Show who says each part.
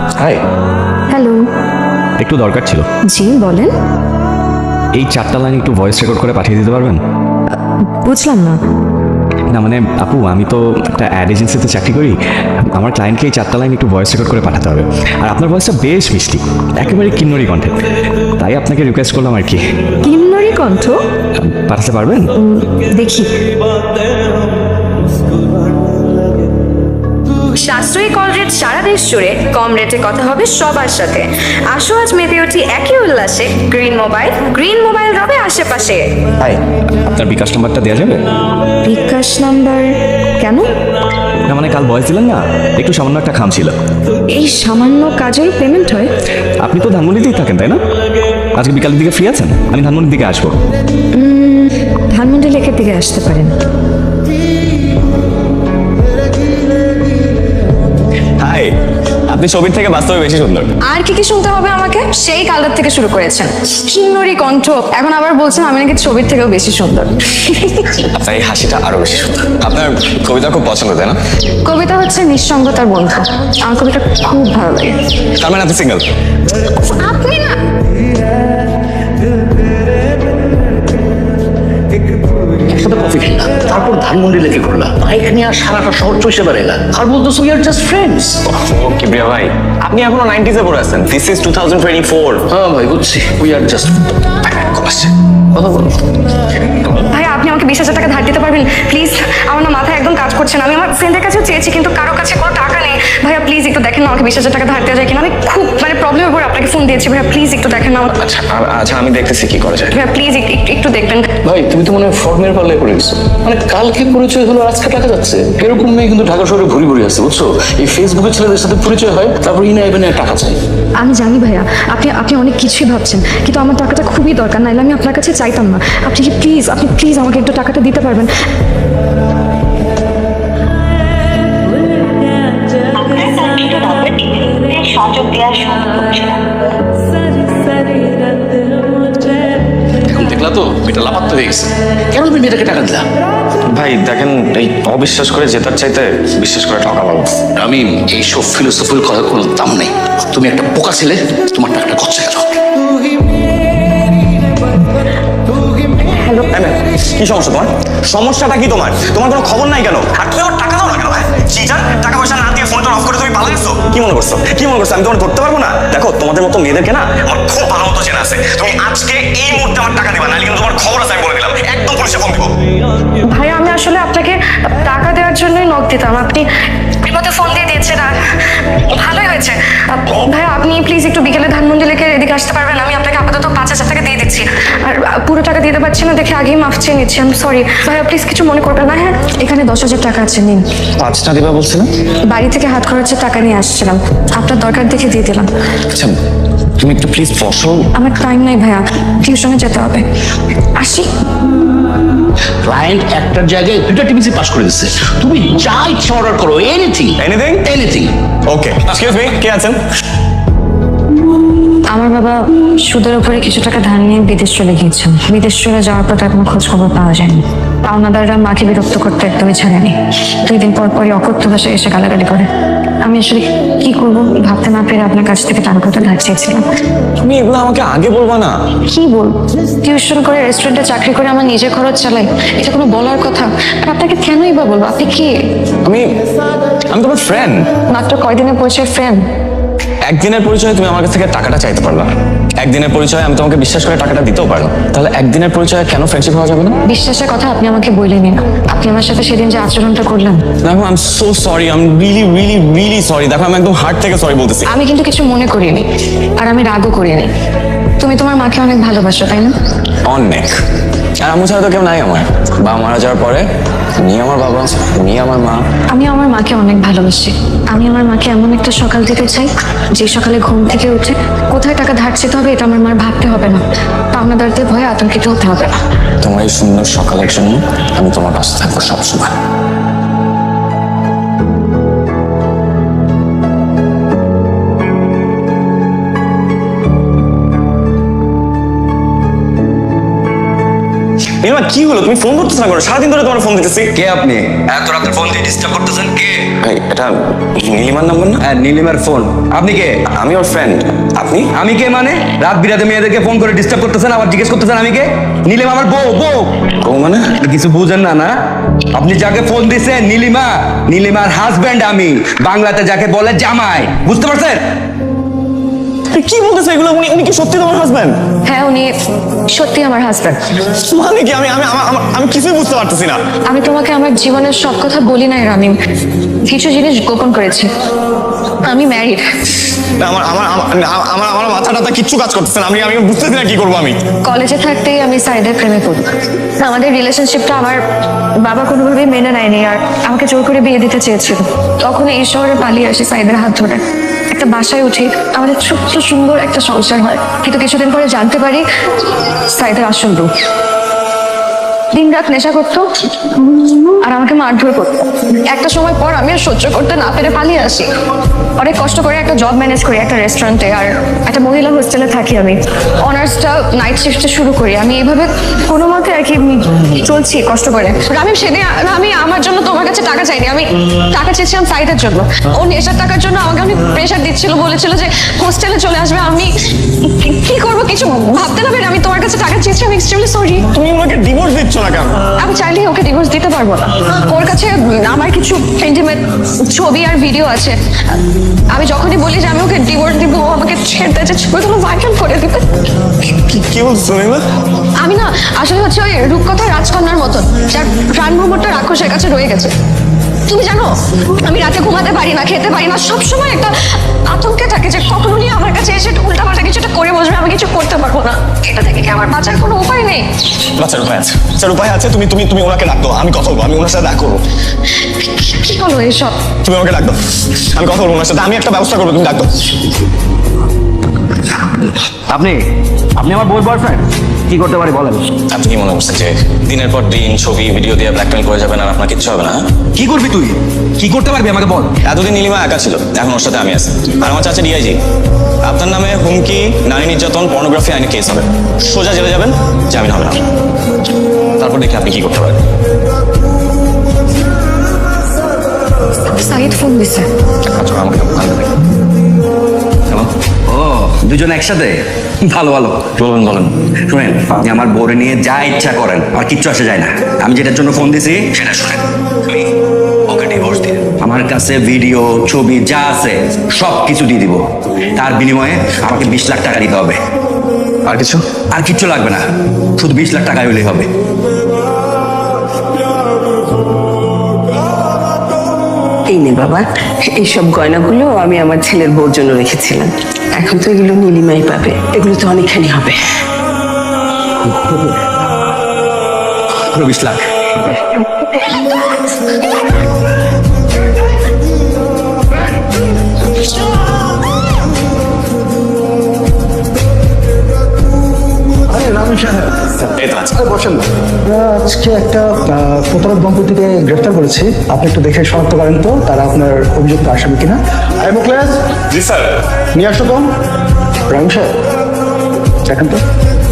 Speaker 1: High.
Speaker 2: Hello.
Speaker 1: একটু দরকার ছিল।
Speaker 2: জি বলেন।
Speaker 1: এই 4টা লাইন একটু ভয়েস রেকর্ড করে পাঠিয়ে দিতে পারবেন?
Speaker 2: বুঝলাম না।
Speaker 1: না মানে আপু, আমি তো একটা অ্যাড এজেন্সিতে চাকরি করি। আমার ক্লায়েন্টকে এই 4টা লাইন একটু ভয়েস রেকর্ড করে পাঠাতে হবে। আর আপনার ভয়েসটা বেশ মিষ্টি, একেবারে কিন্নরি কণ্ঠে, তাই আপনাকে রিকোয়েস্ট করলাম আর কি।
Speaker 2: কিন্নরি কণ্ঠ?
Speaker 1: পাঠাতে পারবেন?
Speaker 2: দেখি।
Speaker 3: সাশ্রয়ী কল রেট সারা দেশ জুড়ে, কম রেটে কথা হবে সবার সাথে। আসো আজ মেতে উঠি একই উল্লাসে, গ্রিন মোবাইল রবে আশেপাশে।
Speaker 1: হাই, আপনার বিকাশ নাম্বারটা দেওয়া যাবে?
Speaker 2: বিকাশ নাম্বার? কেন?
Speaker 1: না মানে কাল ভয়েস দিলেন না, একটু সামান্য একটা খাম ছিল।
Speaker 2: এই সামান্য কাজের পেমেন্ট হয়?
Speaker 1: আপনি তো ধানমন্ডিতেই থাকেন তাই না? আজকে বিকালের দিকে ফ্রি আছেন? আমি ধানমন্ডির দিকে আসবো।
Speaker 2: ধানমন্ডি লেকের দিকে আসতে পারেন।
Speaker 1: হাই, আপনি ছবির থেকে বাস্তবে বেশি সুন্দর।
Speaker 3: আর কি কি শুনতে হবে আমাকে? সেই কালটার থেকে শুরু করেছেন, কিন্নরি কণ্ঠ, এখন আবার বলছেন আমি নাকি ছবির থেকেও বেশি সুন্দর।
Speaker 1: আপনার এই হাসিটা আরো বেশি সুন্দর। আপনার কবিতা খুব পছন্দ তাই না?
Speaker 3: কবিতা হচ্ছে নিঃসঙ্গতার বন্ধু, আমার কবিতা খুব ভালো লাগে।
Speaker 1: তার মানে আপনি সিঙ্গেল?
Speaker 3: আপনি না?
Speaker 4: একসাথে কফি খেলাম, তারপর ধানমন্ডি লেকে ঘুরলাম, বাইক নিয়ে আর সারাটা শহর চষে বেড়াইলাম, আর বলতেছো উই আর জাস্ট ফ্রেন্ডস।
Speaker 1: ও কিবরিয়া ভাই, আপনি এখনো 90s-এ পড়ে আছেন। This is 2024।
Speaker 4: হ্যাঁ ভাই বুঝছি, উই আর জাস্ট কথা বলো।
Speaker 3: ভাই আপনি আমাকে 20,000 টাকা ধার দিতে পারবেন প্লিজ? আমার না মাথায় একদম কাজ করছে না। আমি আমার ফ্রেন্ডের কাছেও চেয়েছি কিন্তু কারো কাছে কোনো টাকা নেই। ভাইয়া প্লিজ একটু দেখেন না আমাকে 20,000 টাকা ধার দেওয়া যায় কিনা। আমি খুব প্রবলেমের পরে আপনাকে ফোন দিয়েছি। ভাইয়া প্লিজ একটু দেখেন না।
Speaker 1: আচ্ছা আচ্ছা, আমি দেখতেছি কি করা যায়।
Speaker 3: ভাইয়া প্লিজ একটু দেখবেন।
Speaker 4: ভাই তুমি তো মনে হয় ফর্মের পাল্লায় পড়ে গেছো। মানে কালকে পরিচয় হলো, আজকে টাকা যাচ্ছে। এরকম মেয়ে কিন্তু ঢাকা শহরে ভুরি ভুরি আছে বুঝছো। এই ফেসবুকে ছেলেদের সাথে পরিচয় হয়, তারপর ইনা ইভেনে টাকা চাই।
Speaker 2: আমি জানি ভাইয়া, আপনি অনেক কিছুই ভাবছেন, কিন্তু আমার টাকাটা খুবই দরকার, নাইলে আমি আপনার কাছে চাইতাম না। আপনি প্লিজ আমাকে একটু টাকাটা দিতে পারবেন?
Speaker 5: আপনার কাঙ্ক্ষিত নম্বরটি সংযোগ দেওয়ার সুযোগ হচ্ছে না।
Speaker 4: এখন দেখলা তো এটা লাপাত্তা হয়ে গেছে। কেন তুমি মেয়েটাকে টাকা দিলা?
Speaker 1: ভাই দেখেন, এই অবিশ্বাস করে জেতার চাইতে বিশ্বাস করে ঠকা ভালো।
Speaker 4: আমি এইসব ফিলোসফির কথা কোনো দাম নেই। তুমি একটা বোকা ছেলে, তোমার টাকাটা খরচা গেল।
Speaker 2: হ্যালো।
Speaker 1: কি সমস্যা তোমার? সমস্যাটা কি তোমার? তোমার কোনো খবর নাই কেন? আর তুমি আমার টাকা দাও না কেন? চিটার, টাকা পয়সা না দিয়ে ফোনটা অফ করে তুমি পালা গেছো। কি মনে করছো আমি তোমার ধরতে পারবো না? দেখো তোমাদের মতো মেয়েদেরকে না আমার খুব ভালো মতো চেনা আছে। তুমি আজকে এই মুহূর্তে আমার টাকা দিবা, নাহলে কিন্তু তোমার খবর আছে আমি বলে দিলাম। একদম পুলিশে ফোন দিব।
Speaker 3: ভাইয়া আমি আসলে আপনাকে টাকা দেওয়ার জন্যই নক দিতাম, আপনি বিপদে ফোন দিয়ে দিয়েছেন আর ভালোই হয়েছে। ভাইয়া আপনি প্লিজ একটু বিকেলে ধানমন্ডি লেকের এদিকে আসতে পারবেন? আমি আপনাকে আপাতত 5,000 টাকা দিয়ে দিচ্ছি, আর পুরো টাকা দিতে পারছি না দেখে আগেই মাফ চেয়ে নিচ্ছি। আমি সরি ভাইয়া, প্লিজ কিছু মনে করবেন না। হ্যাঁ এখানে 10,000 টাকা আছে, নিন।
Speaker 1: 5টা দিবা বলছিলাম।
Speaker 3: বাড়ি থেকে হাত খরচের টাকা নিয়ে আসছিলাম, আপনার দরকার দেখে দিয়ে দিলাম।
Speaker 1: আচ্ছা তুমি একটু প্লিজ বসো।
Speaker 3: আমার টাইম নাই ভাইয়া, টিউশনে যেতে হবে, আসি।
Speaker 4: ক্লায়েন্ট একটার জায়গায় 2টা টিভিসি পাস করে দিচ্ছে। তুমি যা ইচ্ছা অর্ডার করো, anything anything.
Speaker 1: Okay, excuse me, কে আছেন?
Speaker 3: আমার বাবা সুদের উপরে কিছু টাকা ধার নিয়ে বিদেশ চলে গিয়েছেন। বিদেশ চলে যাওয়ার পর তার কোনো খোঁজ খবর পাওয়া যায়নি। পাওনাদাররা মাকে বিরক্ত করতে একদমই ছাড়েনি। 2 দিন পর পরই অকথ্য ভাষায় এসে গালাগালি করে। আমি আসলে কি করবো ভাবতে না পেরে আপনার কাছ থেকে টাকাটা ধার চেয়েছিলাম।
Speaker 1: তুমি এগুলো আমাকে আগে বলবা না?
Speaker 3: কি বলবো, টিউশন করে রেস্টুরেন্টে চাকরি করে আমার নিজের খরচ চালাই, এটা কোনো বলার কথা? আর আপনাকে কেনই বা বলবো? আপনি কি?
Speaker 1: আমি তোমার ফ্রেন্ড।
Speaker 3: মাত্র কয়দিনের পরিচয় ফ্রেন্ড?
Speaker 1: একদিনের পরিচয়ে তুমি আমার কাছ থেকে টাকাটা চাইতে পারলা, একদিনের পরিচয়ে আমি তোমাকে বিশ্বাস করে টাকাটা দিতেও পারলাম। তাহলে একদিনের পরিচয়ে কেন ফ্রেন্ডশিপ হওয়া যাবে না?
Speaker 3: বিশ্বাসের কথা আপনি আমাকে বললেনই না। আপনি আমার সাথে সেদিন যে আচরণটা করলেন।
Speaker 1: দেখো I am so sorry, I am really sorry. দেখো আমি একদম হার্ট থেকে সরি বলতেছি।
Speaker 3: আমি কিন্তু কিছু মনে করিনি, আর আমি রাগও করিনি। তুমি তোমার মাকে অনেক ভালোবাসো তাই না?
Speaker 1: অনেক। আর আম্মু ছাড়া তো কেউ নাই আমার। বাবা মারা যাওয়ার পরে উনি আমার বাবা, উনি আমার মা।
Speaker 3: আমি আমার মাকে অনেক ভালোবাসি। আমি আমার মাকে এমন একটা সকাল দিতে চাই যে সকালে ঘুম থেকে উঠে কোথায় টাকা ধার চেতে হবে এটা আমার মার ভাবতে হবে না, পাওনাদারদের ভয়ে আতঙ্কিত হতে হবে না।
Speaker 1: তোমার এই সুন্দর সকালের জন্য আমি তোমার কাছে থাকবো সবসময়। নীলিমা কি হলো, তুমি ফোন করতেছ না কেন? সারাদিন ধরে তোমার ফোন দিতেছি।
Speaker 6: কে আপনি এত রাতের ফোন দিয়ে ডিস্টার্ব করতেছেন? কে?
Speaker 1: ভাই এটা নীলিমার নাম্বার না?
Speaker 6: হ্যাঁ, নীলিমার ফোন। আপনি কে?
Speaker 1: আমি ওর ফ্রেন্ড। আপনি?
Speaker 6: আমি কে মানে? রাত বিরাতে মেয়েদেরকে ফোন করে ডিস্টার্ব করতেছেন, আবার জিজ্ঞেস করতেছেন আমি কে? নীলিমা আমার বউ।
Speaker 1: ও মানে?
Speaker 6: কিছু বুঝেন না না? আপনি যাকে ফোন দিছেন নীলিমা, নীলিমার হাজবেন্ড আমি, বাংলাতে যাকে বলে জামাই, বুঝতে পারছেন?
Speaker 1: কি বলতেছে এগুলো? উনি কি সত্যি তোমার হাজবেন্ড?
Speaker 3: হ্যাঁ, উনি সত্যি আমার হাজব্যান্ড।
Speaker 1: মানে কি? আমি কিছুই বুঝতে পারতেছি না।
Speaker 3: আমি তোমাকে আমার জীবনের সব কথা বলি নাই রামিম, কিছু জিনিস গোপন করেছি। আমি ম্যারিড।
Speaker 1: আমার আমার আমার আমার মাথাটা কিচ্ছু কাজ করতেছে না। আমি বুঝতেছি না কি করবো আমি।
Speaker 3: কলেজে থাকতেই আমি সাইদের প্রেমে পড়ি। আমাদের রিলেশনশিপটা আমার বাবা কোনোভাবেই মেনে নেয়নি, আর আমাকে জোর করে বিয়ে দিতে চেয়েছিল। তখন এই শহরে পালিয়ে আসি সাইদের হাত ধরে, একটা বাসায় উঠি, আমাদের ছোট্ট সুন্দর একটা সংসার হয়। কিন্তু কিছুদিন পরে জানতে পারি সাইদের আসল রূপ। দিন রাত নেশা করতো আর আমাকে মারধর করতো। একটা সময় পর আমি আর সহ্য করতে না পেরে পালিয়ে আসি। অনেক কষ্ট করে একটা জব ম্যানেজ করি একটা রেস্টুরেন্টে, আর একটা মহিলা হোস্টেলে থাকি। আমি অনার্সটা নাইট শিফটে শুরু করি। আমি এইভাবে কোনো মতে আর কি চলছি কষ্ট করে। আমি সেদিন আমি আমার জন্য তোমার কাছে টাকা চাইনি, আমি টাকা চেয়েছিলাম সাইদের জন্য। ও নেশার টাকার জন্য আমাকে অনেক প্রেশার দিচ্ছিল, বলেছিল যে হোস্টেলে চলে আসবে। আমি কি করবো কিছু ভাবতে না পেরে আমি তোমার কাছে টাকা চেয়েছি। আমি এক্সট্রিমলি সরি।
Speaker 1: তুমি ওনাকে ডিভোর্স দিচ্ছ না কেন?
Speaker 3: আমি চাইলেই ওকে ডিভোর্স দিতে পারবো না। ওর কাছে আমার কিছু ইন্টিমেট ছবি আর ভিডিও আছে। আমি যখনই বলি যে আমি ওকে ডিভোর্স দিব, ও আমাকে ছেড়ে দেয়, যে ছবিগুলো ভাইরাল করে দিবে।
Speaker 1: কি বলছো নীলিমা?
Speaker 3: আমি না আসলে হচ্ছে ওই রূপকথা রাজকন্যার মতন, যার প্রাণ ভ্রমণটা রাক্ষসের কাছে রয়ে গেছে। তুমি জানো আমি রাতে ঘুমাতে পারি না, খেতে পারি না, সবসময় একটা আতঙ্কে থাকে যে কখন উনি আমার কাছে এসে উল্টাপাল্টা কিছুটা করে বসবে, আমি কিছু করতে পারবো না। এটা থেকে কি আমার বাঁচার কোনো উপায় নেই?
Speaker 1: বাচ্চার উপায় আছে, বাচ্চার উপায় আছে। তুমি ওনাকে ডাক দাও, আমি কথা বলবো। আমি ওনার সাথে দেখা করবো।
Speaker 3: কি হলো এসব?
Speaker 1: তুমি আমাকে ডাক দাও, আমি কথা বলবো ওনার সাথে। আমি একটা ব্যবস্থা করবো, তুমি ডাক দাও।
Speaker 6: আপনি আপনি আমার বউর বয়ফ্রেন্ড? কি করতে পারি বলেন?
Speaker 1: আপনি কি মনে করছেন যে দিনের পর দিন ছবি ভিডিও দিয়ে ব্ল্যাকমেল করে যাবেন আর আপনার কিচ্ছু হবে না?
Speaker 6: কি করবি তুই? কি করতে পারবি আমাকে বল।
Speaker 1: এতদিন নীলিমা একা ছিল, এখন ওর সাথে আমি আছি। আর আমার চাচা ডিআইজি। আপনার নামে হুমকি, নারী নির্যাতন, পর্নোগ্রাফি আইনে কেস হবে। সোজা জেলে যাবেন, জামিন হবে না। তারপর দেখি আপনি কি করতে পারেন।
Speaker 3: সাইদ ফোন দিছে।
Speaker 1: আচ্ছা, আমাকে হ্যালো,
Speaker 6: ও, দুজন একসাথে? ভালো ভালো।
Speaker 1: বলেন।
Speaker 6: শুনেন, আপনি আমার বউরে নিয়ে যা ইচ্ছা করেন, আর কিচ্ছু আসে যায় না। আমি যেটার জন্য ফোন দিছি সেটা শুনেন। আমি ওকে ডিভোর্স দিই। আমার কাছে ভিডিও, ছবি যা আছে সব কিছু দিয়ে দিব। তার বিনিময়ে আমাকে 20 লাখ টাকা দিতে হবে।
Speaker 1: আর কিছু?
Speaker 6: আর কিচ্ছু লাগবে না, শুধু 20 লাখ টাকা হলেই হবে।
Speaker 7: এই নে বাবা, এইসব গয়নাগুলো আমি আমার ছেলের বউর জন্য রেখেছিলাম। এখন তো এগুলো নীলিমাই পাবে, এগুলো তো অনেকখানি হবে।
Speaker 6: 20 লাখ।
Speaker 1: এই তো আছে।
Speaker 8: বসেন না। আমরা আজকে একটা প্রতারক দম্পতিকে গ্রেফতার করেছি। আপনি একটু দেখে শনাক্ত করেন তো তারা আপনার অভিযুক্ত আসামি কিনা। আই মুখলেস,
Speaker 1: জি স্যার।
Speaker 8: নিয়ে আসো তো। রাম সাহেব, দেখেন তো।